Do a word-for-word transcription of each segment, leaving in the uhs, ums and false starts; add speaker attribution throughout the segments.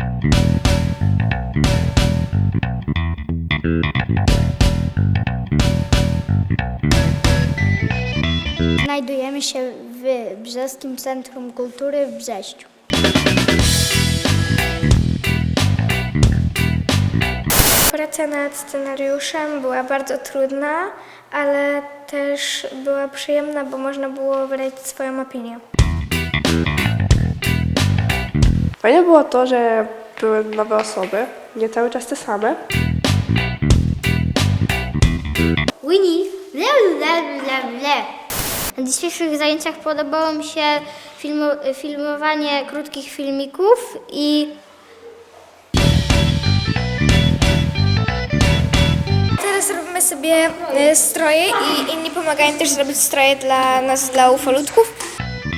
Speaker 1: Znajdujemy się w Brzeskim Centrum Kultury w Brześciu.
Speaker 2: Praca nad scenariuszem była bardzo trudna, ale też była przyjemna, bo można było wydać swoją opinię.
Speaker 3: Fajne było to, że były nowe osoby, nie cały czas te same.
Speaker 1: Winnie, ble, ble, ble, ble. Na dzisiejszych zajęciach podobało mi się filmu, filmowanie krótkich filmików i
Speaker 2: Teraz robimy sobie e, stroje i inni pomagają też zrobić stroje dla nas, dla ufolutków.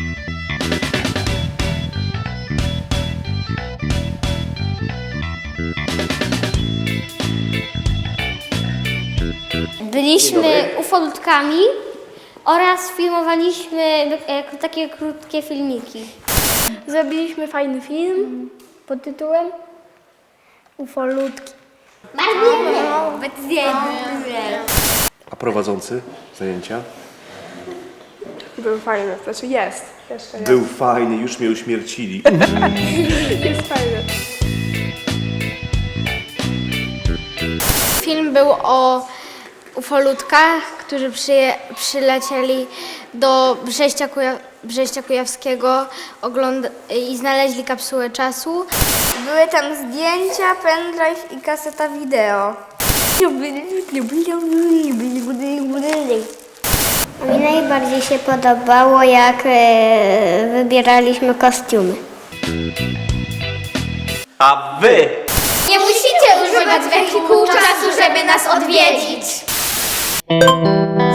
Speaker 1: byliśmy ufolutkami oraz filmowaliśmy e, takie krótkie filmiki.
Speaker 2: Zrobiliśmy fajny film pod tytułem Ufolutki.
Speaker 4: A prowadzący zajęcia?
Speaker 3: Były fajne, znaczy jest, jeszcze jest.
Speaker 4: Był fajny, już mnie uśmiercili.
Speaker 3: Jest fajny.
Speaker 2: Film był o ufolutkach, którzy przyje, przylecieli do Brześcia, Kuja, Brześcia Kujawskiego ogląd- i znaleźli kapsułę czasu. Były tam zdjęcia, pendrive i kaseta wideo.
Speaker 1: Mi najbardziej się podobało, jak e, wybieraliśmy kostiumy.
Speaker 5: A wy!
Speaker 2: Nie musicie używać wehikułu czasu, żeby nas odwiedzić.